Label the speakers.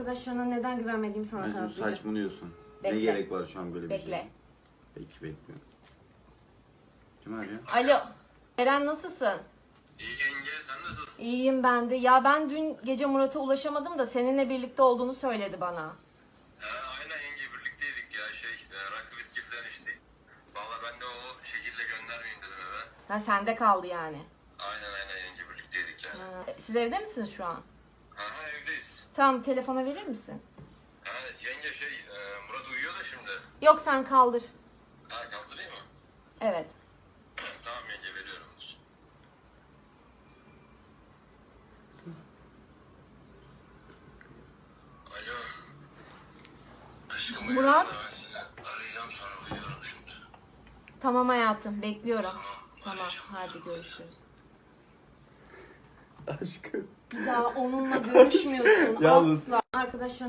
Speaker 1: Arkadaşlarına neden güvenmediğimi sana
Speaker 2: Mecnun
Speaker 1: kanıtlayacağım.
Speaker 2: saçmalıyorsun.
Speaker 1: Bekle.
Speaker 2: Ne gerek var şu an böyle bir
Speaker 1: Bekle.
Speaker 2: şeye? Peki bekliyorum. Kim arıyor?
Speaker 1: Alo. Eren nasılsın?
Speaker 3: İyi yenge, sen nasılsın?
Speaker 1: İyiyim ben de. Ya ben dün gece Murat'a ulaşamadım da seninle birlikte olduğunu söyledi bana.
Speaker 3: Aynen yenge, birlikteydik ya rakı viski falan içtik. Valla ben de o şekilde göndermeyeyim dedim eve.
Speaker 1: Ha sende kaldı yani.
Speaker 3: Aynen yenge, birlikteydik yani.
Speaker 1: Siz evde misiniz şu an?
Speaker 3: Ha evdeyiz.
Speaker 1: Tamam, telefona verir misin?
Speaker 3: Yenge Murat uyuyor da şimdi.
Speaker 1: Yok, sen kaldır.
Speaker 3: Kaldırayım mı?
Speaker 1: Evet.
Speaker 3: Tamam yenge, veriyorum. Alo. Aşkım uyuyorum
Speaker 1: Murat.
Speaker 3: da ben seni arayacağım, sonra uyuyorum şimdi.
Speaker 1: Tamam hayatım, bekliyorum.
Speaker 3: Tamam,
Speaker 1: Tamam,
Speaker 3: arayacağım.
Speaker 1: hadi görüşürüz.
Speaker 2: Aşkım.
Speaker 1: Bir daha onunla görüşmüyorsun
Speaker 2: Yalnız-
Speaker 1: asla. Arkadaşlarına